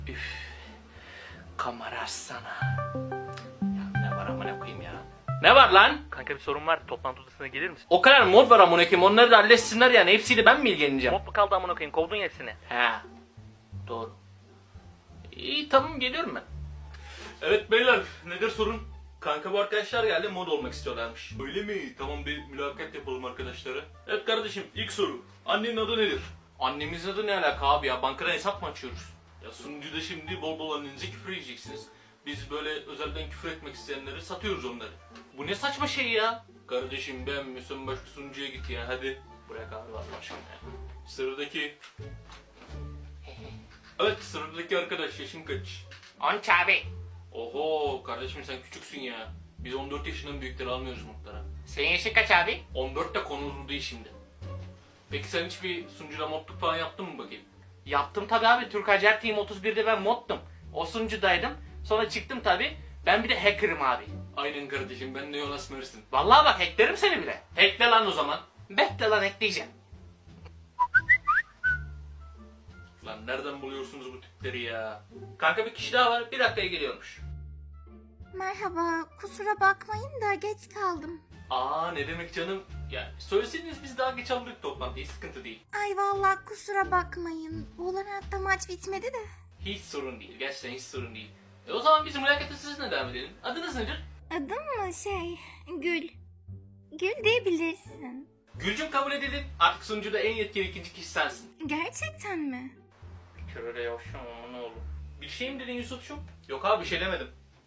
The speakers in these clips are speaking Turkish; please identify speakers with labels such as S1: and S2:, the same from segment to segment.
S1: Üf. Kamera sana. Ya ne var amına koyayım ya. Ne var lan?
S2: Kanka bir sorun var. Toplantı odasına gelir misin?
S1: O kadar mod var amına koyayım. Onları da halletsinler yani. Hepsiyle ben mi ilgileneceğim?
S2: Mod mu kaldı amına koyayım? Kovdun ya hepsini.
S1: He. Doğru. İyi tamam geliyorum ben.
S3: Evet beyler, nedir sorun? Kanka bu arkadaşlar geldi, mod olmak istiyorlarmış. Öyle mi? Tamam, bir mülakat yapalım arkadaşlara. Evet kardeşim, ilk soru. Annenin adı nedir?
S1: Annemizin adı ne alaka abi ya? Bankadan hesap mı açıyoruz?
S3: Ya sunucuda şimdi bol bol annenize küfür edeceksiniz. Biz böyle özelden küfür etmek isteyenleri satıyoruz onları.
S1: Bu ne saçma şey ya?
S3: Kardeşim beğenmiyorsan başka sunucuya git ya, hadi.
S1: Bırak abi Allah aşkına ya.
S3: Sıradaki... Evet, sıradaki arkadaş yaşın kaç?
S1: 13 abi.
S3: Oho kardeşim sen küçüksün ya. Biz 14 yaşından büyükleri almıyoruz modlara.
S1: Senin yaşın kaç abi?
S3: 14 de konumuz bu değil şimdi. Peki sen hiçbir sunucuda modluk falan yaptın mı bakayım?
S1: Yaptım tabi abi. Türk Hacer Team 31'de ben moddum. O sunucudaydım. Sonra çıktım tabi. Ben bir de hacker'ım abi.
S3: Aynen kardeşim, ben de Jonas Mersin.
S1: Vallahi bak hacklerim seni bile.
S3: Hackle lan o zaman.
S1: Bekle lan hackleyeceğim.
S3: Lan nereden buluyorsunuz bu tipleri ya?
S1: Kanka bir kişi daha var. Bir dakikaya geliyormuş.
S4: Merhaba, kusura bakmayın da geç kaldım.
S3: Aa ne demek canım? Ya söyleseydiniz biz daha geç aldık toplantıyı, sıkıntı değil.
S4: Ay vallahi kusura bakmayın. Valorant'ta maç bitmedi de.
S3: Hiç sorun değil, gerçekten hiç sorun değil.
S1: O zaman biz mülakata sizinle devam edelim. Adınız nedir?
S4: Adım mı Gül. Gül diyebilirsin.
S1: Gülcüm kabul edildin. Artık sunucuda en yetkili ikinci kişi sensin.
S4: Gerçekten mi?
S1: Şöyle yavşam ama ne olur. Bir şey mi dedin Yusuf'cum?
S3: Yok abi bir şey demedim.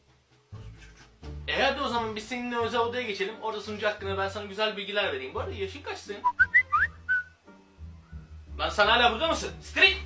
S1: Hadi o zaman biz seninle özel odaya geçelim. Orada sunucu hakkında ben sana güzel bilgiler vereyim. Bu arada yaşın kaç senin? Lan sen hala burada mısın? Street!